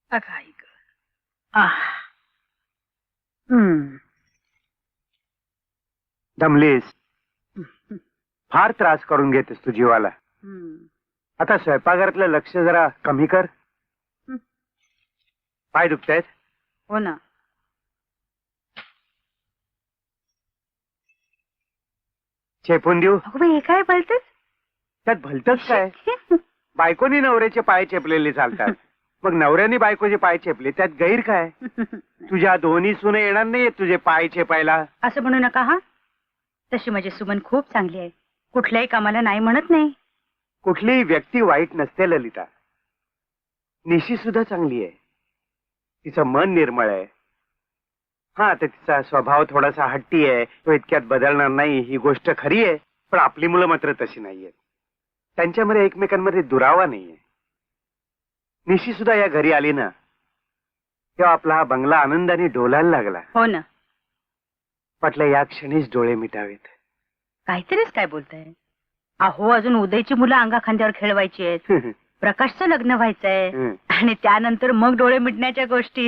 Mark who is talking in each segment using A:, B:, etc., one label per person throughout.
A: अगं आई ग. आह. हम्म.
B: दमलीस. फार त्रास करून घेतेस तू जीवाला.
A: हम्म.
B: आता स्वयंपाकघरातलं लक्ष जरा कमी कर.
A: हं.
B: पाय दुखतायत.
A: हो ना.
B: चेपून देऊ.
A: अगं बाई, हे काय बोलतेस?
B: त्यात भलतच काय? बायकोनी नवऱ्याचे पाय चेपलेले चालतात. मग नवऱ्याने बायकोचे पाय चेपले त्यात गैर काय? तुझ्या दोन्ही सुने येणार नाही तुझे पाय चेपायला.
A: असं म्हणू नका हा. तशी माझी सुमन खूप चांगली आहे. कुठल्याही कामाला नाही म्हणत नाही.
B: कुठलीही व्यक्ती वाईट नसते ललिता. निशी सुद्धा चांगली आहे. तिचं मन निर्मळ आहे. हा, तर तिचा स्वभाव थोडासा हट्टी आहे. तो इतक्यात बदलणार नाही ही गोष्ट खरी आहे. पण आपली मुलं मात्र तशी नाहीयेत. त्यांच्यामध्ये एकमेकांमध्ये दुरावा नाहीये. निशी सुद्धा या घरी आली ना तेव्हा आपला हा बंगला आनंदाने डोलायला लागला.
A: हो ना.
B: म्हटलं या क्षणीच डोळे मिटावेत.
A: काहीतरीच काय बोलताय. अहो, अजून उदयची मुलं अंगा खांद्यावर खेळवायची आहेत. प्रकाशचं लग्न व्हायचंय आणि त्यानंतर मग डोळे मिटण्याच्या गोष्टी.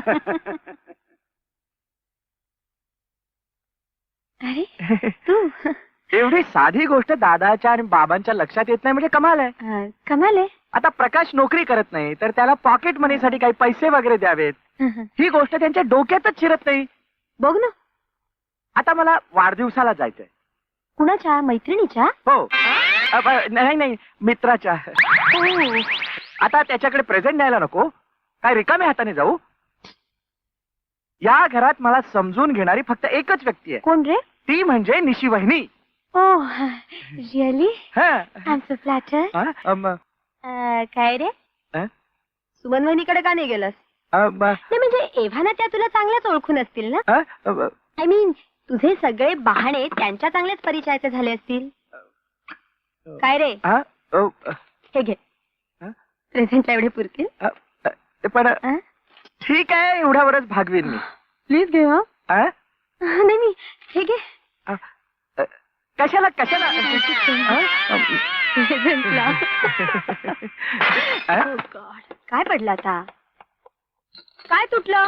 C: अरे तू
D: एवढी साधी गोष्ट दादाच्या आणि बाबांच्या लक्षात येत नाही म्हणजे कमाल आहे.
C: कमाल आहे.
D: आता प्रकाश नोकरी करत नाही तर त्याला पॉकेट मनीसाठी काही पैसे वगैरे द्यावेत ही गोष्ट त्यांच्या डोक्यातच शिरत नाही.
C: बघ ना.
D: आता मला वाढदिवसाला जायचंय.
C: कुणाच्या? मैत्रिणीच्या?
D: हो. नाही नाही, मित्राच्या. आता त्याच्याकडे प्रेझेंट द्यायला नको काय रिकाम्या हाताने जाऊ. या घरात मला समजून घेणारी फक्त एकच व्यक्ती आहे.
C: कोण रे?
D: ती म्हणजे निशी वहिनी.
C: Oh really? I am so flattered. काय रे? सुमन वहिनीकडे का नाही गेलास? नाही म्हणजे एव्हाना त्या तुला चांगल्याच ओळखून असतील ना. आय मीन तुझे सगळे बहाणे त्यांच्या चांगलेच परिचयाचे झाले असतील. काय रे? हे घे. प्रेझेंटला एवढे पुरतील?
D: पण ठीक आहे, एवढ्यावरच भागवीन मी.
C: प्लीज घे. हा नाही नाही, हे घे.
D: कशाला कशाला?
C: प्रेझेंटला. काय पडलं आता? काय तुटलं?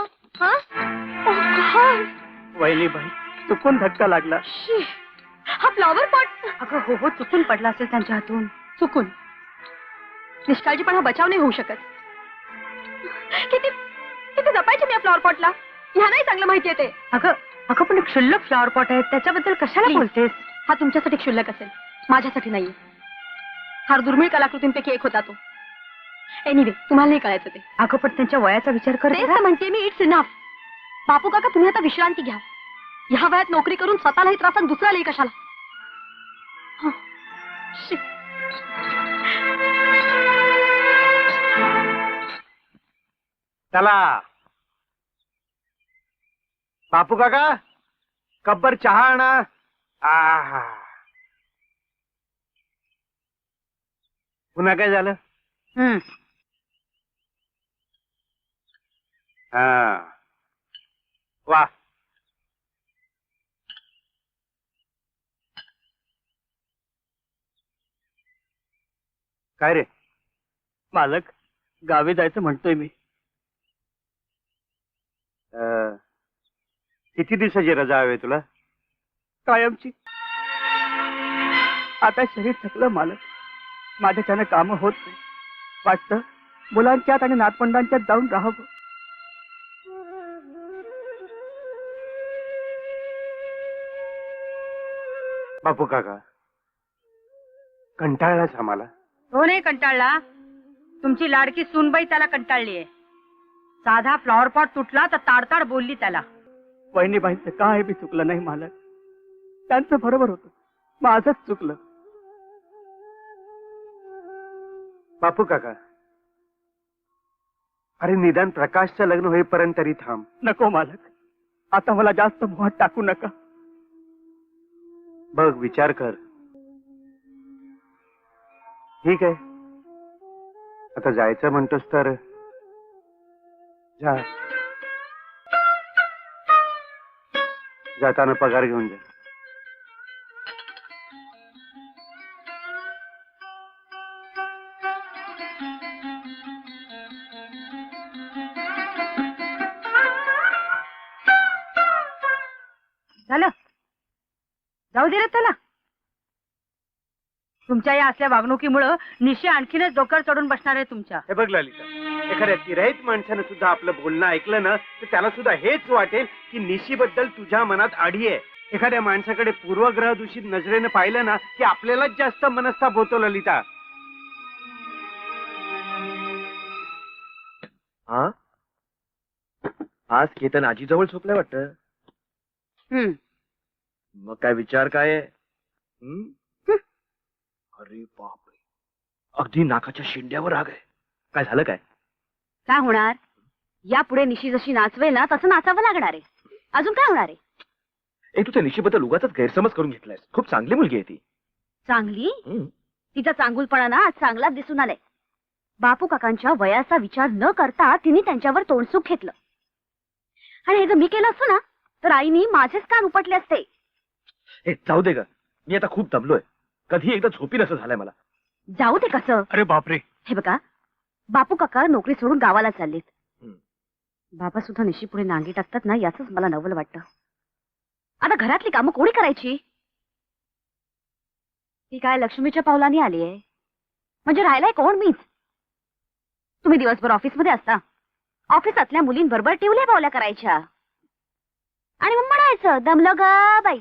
D: वहिनी बाई चुकून धक्का लागला.
C: हा फ्लॉवर पॉट.
A: अगं हो हो, चुकून पडला असेल त्यांच्या हातून.
C: चुकून. निष्काळजीपणा बचाव नाही होऊ शकत. किती किती जपायचे मी या फ्लॉवर पॉटला. ह्या नाही चांगलं माहितीये ते.
A: अगं अगं, पण एक क्षुल्लक फ्लॉवर पॉट आहे त्याच्याबद्दल कशाला
C: Please.
A: बोलतेस?
C: हा तुमच्यासाठी क्षुल्लक असेल, माझ्यासाठी नाहीये. फार दुर्मिळ कलाकृतींपैकी एक होता तो. एनिवे तुम्हाला नाही कळायचं ते.
A: अगं पण त्यांच्या वयाचा विचार कर.
C: तेच तर म्हणते मी. It's enough. बापू काका तुम्ही आता विश्रांती घ्या. ह्या वयात नोकरी करून स्वतःलाही त्रास आणि दुसऱ्यालाही कशाला. Shit.
B: चला बापू काका, कब्बर चहा आणा. आहा, पुन्हा काय झालं? हा वा. काय रे?
D: मालक गावी जायचं म्हणतोय मी.
B: किती दिवसाची रजा हवी तुला?
D: कायमची. आता शरीर थकलं मालक. माझ्याच्यानं कामं होत नाही. वाटतं मुलांच्यात आणि नातवंडांच्यात जाऊन राहावं.
B: बापू काका, कंटाळलाच आम्हाला.
A: तो नाही कंटाळला, तुमची लाडकी सूनबाई त्याला कंटाळलीये. साधा फ्लॉवर पॉट तुटला तर ताडताड बोलली त्याला.
D: वहिनीबाईंचं काय बी चुकलं नाही मालक. त्यांचं बरोबर होतं, माझंच चुकलं.
B: बापू काका, अरे निदान प्रकाशचं लग्न होईपर्यंत तरी थांब.
D: नको मालक, आता मला जास्त मोहात टाकू नका.
B: बघ, विचार कर. ठीक आहे, आता जायचं म्हणतोस तर जा. जाताना पगार घेऊन जा.
A: जाऊ दे रे त्याला. तुमच्या या असल्या वागणुकीमुळं निशी आणखीनच डोक्यावर चढून बसणार आहे तुमच्या.
B: हे बघ ललिता, एखाद्या तिरहित माणसानं सुद्धा आपलं बोलणं ऐकलं ना तर त्याला सुद्धा हेच वाटेल की निशीबद्दल तुझ्या मनात आडी आहे. एखाद्या माणसाकडे पूर्वग्रह दूषित नजरेनं पाहिलं ना की आपल्यालाच जास्त मनस्ताप होतो ललिता.
D: हा, आज केतन आजीजवळ झोपलाय वाटतं. मग काय विचार काय आहे? अरे बापरे, अगदी नाकाच्या शेंड्यावर राग आहे. काय झालं काय?
C: काय होणार? यापुढे निशी जशी नाचवेल ना तसं नाचावं लागणार आहे. अजून काय होणार आहे?
D: तू त्या निशीबद्दल उगाचच गैरसमज करून घेतलायस. खूप चांगली मुलगी आहे ती.
C: चांगली? तिचा चांगुलपणा ना आज चांगलाच दिसून आलाय. बापू काकांच्या वयाचा विचार न करता तिने त्यांच्यावर तोंडसुख घेतलं. आणि हे जर मी केलं असतं ना तर आईनी माझेच कान उपटले असते.
D: हे जाऊ दे ग, मी आता खूप दमलोय. कधी एकदा झोपीन असं झालंय मला.
C: जाऊ दे कसं?
D: अरे बापरे.
C: हे बघा, बापू काका नोकरी सोडून गावाला चाललेत. बाबा सुद्धा निशी पुढे नांगी टाकतात ना याच मला नवल वाटतं. आता घरातली कामं कोणी करायची? ती काय लक्ष्मीच्या पावलाने आली आहे म्हणजे राहिलाय कोण? मीच. तुम्ही दिवसभर ऑफिसमध्ये असता. ऑफिसातल्या मुलींबरोबर टिवल्या पावल्या करायच्या आणि मग म्हणायचं दमलं ग बाई.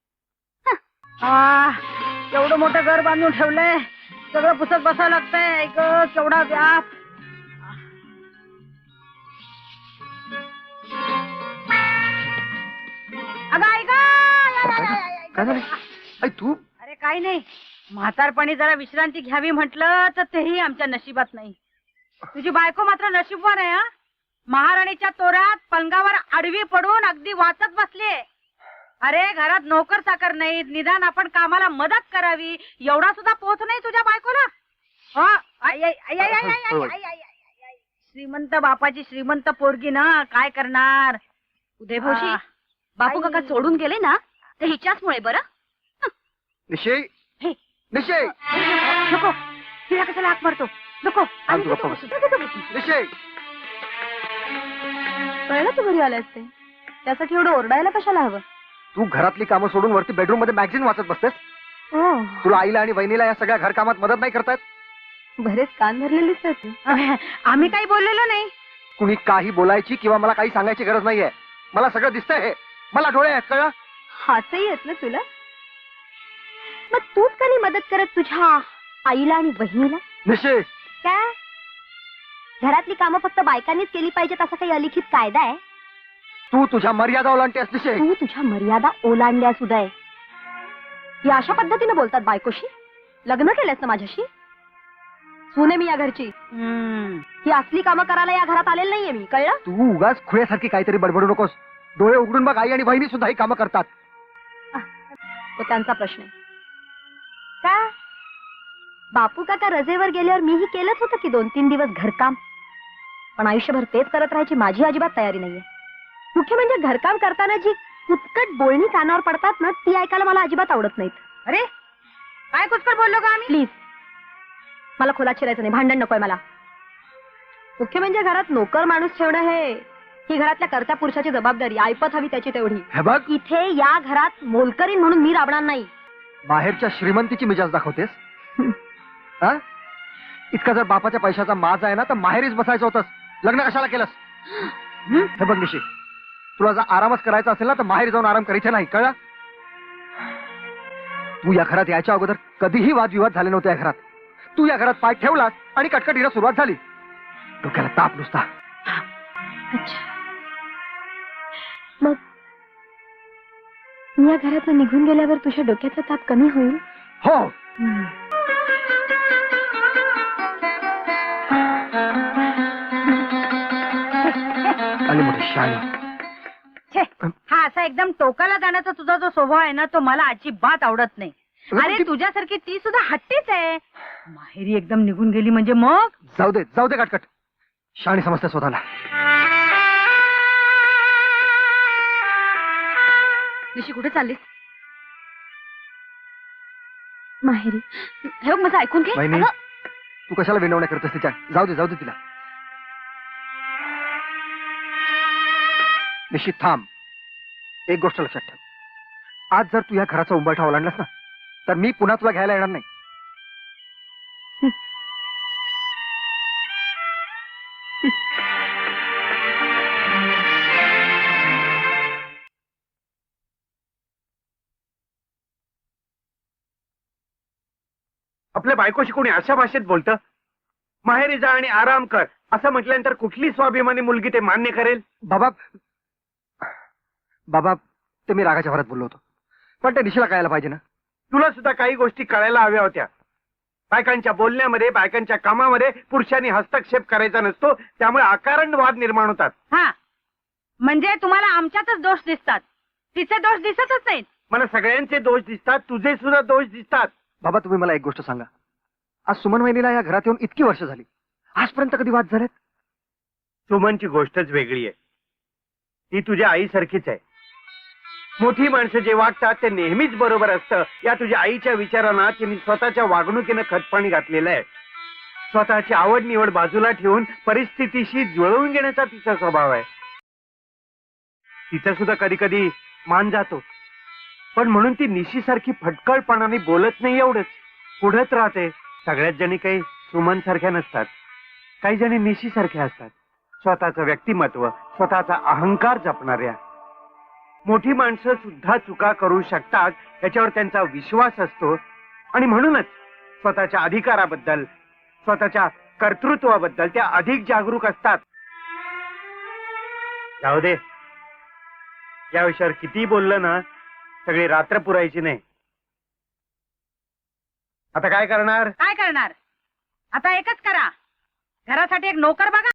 A: एवढं मोठं घर बांधून ठेवलंय, सगळं पुसत बसावं लागतंय. केवढा व्याप. अगं
D: आई तू?
A: अरे काही नाही, म्हातारपणी जरा विश्रांती घ्यावी म्हटलं तर तेही आमच्या नशिबात नाही. तुझी बायको मात्र नशीबवान आहे. हा, महाराणीच्या तोरात पलंगावर आडवी पडून अगदी वाचत बसलीये. अरे घरात नोकर चाकर नाहीत, निदान आपण कामाला मदत करावी एवढा सुद्धा पोच नाही तुझ्या बायकोला. श्रीमंत बापाची श्रीमंत पोरगी ना, काय करणार?
C: उदयभाऊजी, बापू काका सोडून गेले ना तर हिच्याचमुळे. बरं
B: निश्चय
C: हे
B: निश्चय
A: नको, तिला कशाला हाक मारतो? नको.
B: निश्चय
C: कळलं तू घरी आले असते, त्यासाठी एवढं ओरडायला कशाला हवं?
B: तू घरातली कामं सोडून वरती बेडरूम मध्ये मॅगझिन वाचत बसतेस. तुला आईला आणि बहिणीला या सगळ्या घर कामात मदत नाही करतायत?
C: बरेच कान भरलेले दिसतात.
A: आम्ही काही बोललेलो नाही.
B: कुणी काही बोलायची किंवा मला काही सांगायची गरज नाहीये. मला सगळं दिसतंय. हे मला डोळे आहेत, कळलं?
C: हातही येत ना तुला. मग तूच का नाही मदत करत तुझ्या आईला आणि बहिणीला?
B: निश्चय
C: काय घरातली कामं फक्त बायकांनीच केली पाहिजेत असा काही अलिखित कायदा आहे?
B: तू तुझ्या मर्यादा ओलांडतेस निश्चय.
C: तू तुझ्या मर्यादा ओलांडल्या सुद्धा आहे. या अशा पद्धतीने बोलतात बायकोशी? लग्न केलंस ना माझ्याशी? सुने मी या घरची. ही असली कामं करायला या घरात आलेली नाहीये मी, कळलं?
B: तू उगाच खुळ्यासारखी काहीतरी बडबडू नकोस. डोळे उघडून बघ, आई आणि बहिणी सुद्धा ही कामं करतात.
C: तो त्यांचा प्रश्न आहे. का बापू काका रजेवर गेल्यावर मीही केलंच होतं की 2-3 दिवस घरकाम. पण आयुष्यभर तेच करत राहायची माझी अजिबात तयारी नाहीये. मुख्य म्हणजे घरकाम करताना जी कुचकट बोलणी कानावर पडतात ना ती ऐकायला मला अजिबात आवडत नाहीत.
A: अरे काय कुचकट बोललो का आम्ही?
C: प्लीज, मला खोलात शिरायचं नाही. भांडण नकोय मला. मुख्य म्हणजे घरात नोकर माणूस ठेवणं ही घरातल्या कर्त्या पुरुषाची जबाबदारी. ऐपत हवी त्याची तेवढी.
B: हे बघ,
C: इथे या घरात मोलकरीण म्हणून मी राबणार नाही.
B: बाहेरच्या श्रीमंतीची मिजाज दाखवतेस. हा, इतका जर बापाच्या पैशाचा माज आहे ना तर माहेरीच बसायचं होतंस. लग्न कशाला केलंस? हे बघ निशी, तुला जर आरामच करायचा असेल ना तर माहेर जाऊन आराम करायचा नाही, कळलं? तू या घरात यायच्या अगोदर कधीही वादविवाद झाले नव्हते या घरात. तू या घरात पाय ठेवलास आणि कटकटीला सुरुवात झाली. डोक्याला ताप नुसता.
C: अच्छा, मग मी या घरातून निघून गेल्यावर तुझ्या डोक्याचा ताप कमी होईल?
B: हो. आली मोठी शाळा.
A: हा असा एकदम टोकाला जाण्याचा तुझा जो स्वभाव आहे ना तो मला अजिबात आवडत नाही. अरे तुझ्यासारखी ती सुद्धा हट्टीच आहे. माहेरी एकदम निघून गेली म्हणजे मग
B: जाऊ दे कटकट. शाणी समजते स्वतःला.
C: निशी कुठे चाललीस? माहेरी. हे बघ माझं ऐकून घे.
B: वहिनी, तू कशाला विनवण्या करतेस तिच्या? जाऊ दे तिला. निश्चित थांब. एक गोष्ट लक्षात ठेव,
E: आज जर तू या घराचा उंबरठा ओलांडलास ना तर मी पुन्हा तुला घ्यायला येणार नाही.
B: आपल्या बायकोशी कोणी अशा भाषेत बोलतं? माहेरी जा आणि आराम कर असं म्हटल्यानंतर कुठली स्वाभिमानी मुलगी ते मान्य करेल?
E: बाबा बाबा ते मी रागाच्या भरात बोललो होतो, पण ते निशीला कळायला पाहिजे ना.
B: तुला सुद्धा काही गोष्टी कळायला हव्या होत्या. बायकांच्या बोलण्यामध्ये, बायकांच्या कामामध्ये पुरुषांनी हस्तक्षेप करायचा नसतो, त्यामुळे अकारण वाद निर्माण होतात.
A: हा, म्हणजे तुम्हाला आमच्यातच दोष दिसतात, तिचे दोष दिसतच नाहीत.
B: मला सगळ्यांचे दोष दिसतात, तुझे सुद्धा दोष दिसतात.
E: बाबा तुम्ही मला एक गोष्ट सांगा, आज सुमन वहिनीला या घरात येऊन इतकी वर्ष झाली, आजपर्यंत कधी वाद झालेत?
B: सुमनची गोष्टच वेगळी आहे. ती तुझ्या आईसारखीच आहे. मोठी माणसं जे वागतात ते नेहमीच बरोबर असतं, या तुझ्या आईच्या विचारांना तिने स्वतःच्या वागणुकीनं खतपाणी घातलेलं आहे. स्वतःची आवड निवड बाजूला ठेवून परिस्थितीशी जुळवून घेण्याचा तिचा स्वभाव आहे. तिचा सुद्धा कधी कधी मान जातो, पण म्हणून ती निशीसारखी फटकळपणाने बोलत नाही, एवढंच. पुढेच राहते. सगळ्याच जणी काही सुमन सारख्या नसतात, काही जणी निशीसारख्या असतात. स्वतःचं व्यक्तिमत्व, स्वतःचा अहंकार जपणाऱ्या. मोठी माणसं सुद्धा चुका करू शकतात याच्यावर त्यांचा विश्वास असतो, आणि म्हणूनच स्वतःच्या अधिकाराबद्दल, स्वतःच्या कर्तृत्वाबद्दल त्या अधिक जागरूक असतात. जाऊ दे, या विषयावर किती बोललं ना सगळी रात्र पुरायची नाही. आता काय करणार?
A: काय करणार? आता एकच करा, घरासाठी एक नोकर बघा